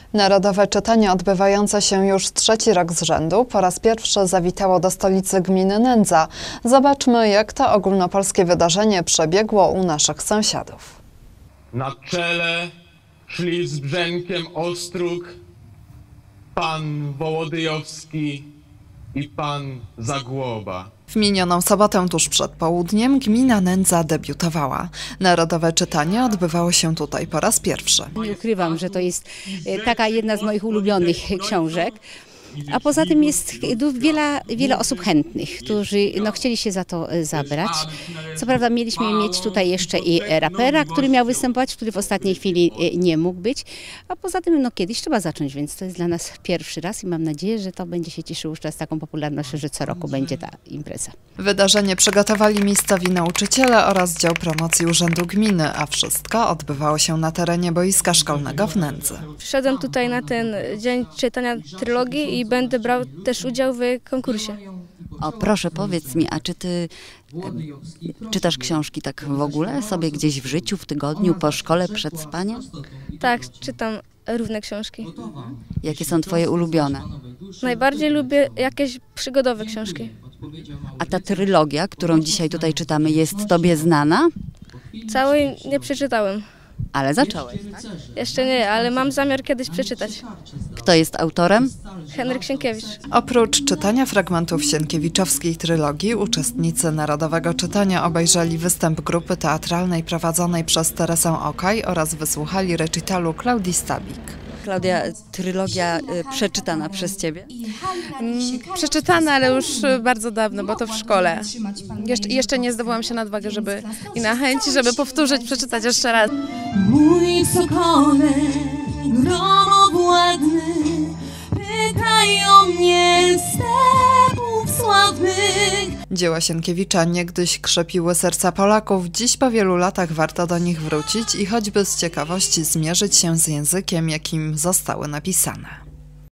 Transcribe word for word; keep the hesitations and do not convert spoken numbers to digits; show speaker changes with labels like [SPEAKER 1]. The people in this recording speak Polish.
[SPEAKER 1] Narodowe czytanie odbywające się już trzeci rok z rzędu po raz pierwszy zawitało do stolicy gminy Nędza. Zobaczmy, jak to ogólnopolskie wydarzenie przebiegło u naszych sąsiadów.
[SPEAKER 2] Na czele szli z Brzękiem Ostróg pan Wołodyjowski i pan Zagłoba.
[SPEAKER 1] W minioną sobotę tuż przed południem gmina Nędza debiutowała. Narodowe czytanie odbywało się tutaj po raz pierwszy.
[SPEAKER 3] Nie ukrywam, że to jest taka jedna z moich ulubionych książek. A poza tym jest wiele, wiele osób chętnych, którzy no, chcieli się za to zabrać. Co prawda mieliśmy mieć tutaj jeszcze i rapera, który miał występować, który w ostatniej chwili nie mógł być. A poza tym no, kiedyś trzeba zacząć, więc to jest dla nas pierwszy raz i mam nadzieję, że to będzie się cieszyło już teraz taką popularnością, że co roku będzie ta impreza.
[SPEAKER 1] Wydarzenie przygotowali miejscowi nauczyciele oraz dział promocji Urzędu Gminy, a wszystko odbywało się na terenie boiska szkolnego w Nędzy.
[SPEAKER 4] Przyszedłem tutaj na ten dzień czytania trylogii i będę brał też udział w konkursie.
[SPEAKER 5] O, proszę, powiedz mi, a czy ty e, czytasz książki tak w ogóle sobie gdzieś w życiu, w tygodniu, po szkole, przed spaniem?
[SPEAKER 4] Tak, czytam różne książki.
[SPEAKER 5] Jakie są twoje ulubione?
[SPEAKER 4] Najbardziej lubię jakieś przygodowe książki.
[SPEAKER 5] A ta trylogia, którą dzisiaj tutaj czytamy, jest tobie znana?
[SPEAKER 4] Całej nie przeczytałem.
[SPEAKER 5] Ale zacząłeś, tak?
[SPEAKER 4] Jeszcze nie, ale mam zamiar kiedyś przeczytać.
[SPEAKER 5] Kto jest autorem?
[SPEAKER 4] Henryk Sienkiewicz.
[SPEAKER 1] Oprócz czytania fragmentów sienkiewiczowskiej trylogii, uczestnicy Narodowego Czytania obejrzeli występ grupy teatralnej prowadzonej przez Teresę Okaj oraz wysłuchali recitalu Klaudii Stabik.
[SPEAKER 5] Klaudia, trylogia y, przeczytana przez ciebie?
[SPEAKER 6] Hmm, przeczytana, ale już bardzo dawno, bo to w szkole. Jesz jeszcze nie zdobyłam się na odwagę, żeby i na chęć, żeby powtórzyć, przeczytać jeszcze raz.
[SPEAKER 7] Mój sokole, gromowładny, pytają mnie stepów sławnych.
[SPEAKER 1] Dzieła Sienkiewicza niegdyś krzepiły serca Polaków, dziś po wielu latach warto do nich wrócić i choćby z ciekawości zmierzyć się z językiem, jakim zostały napisane.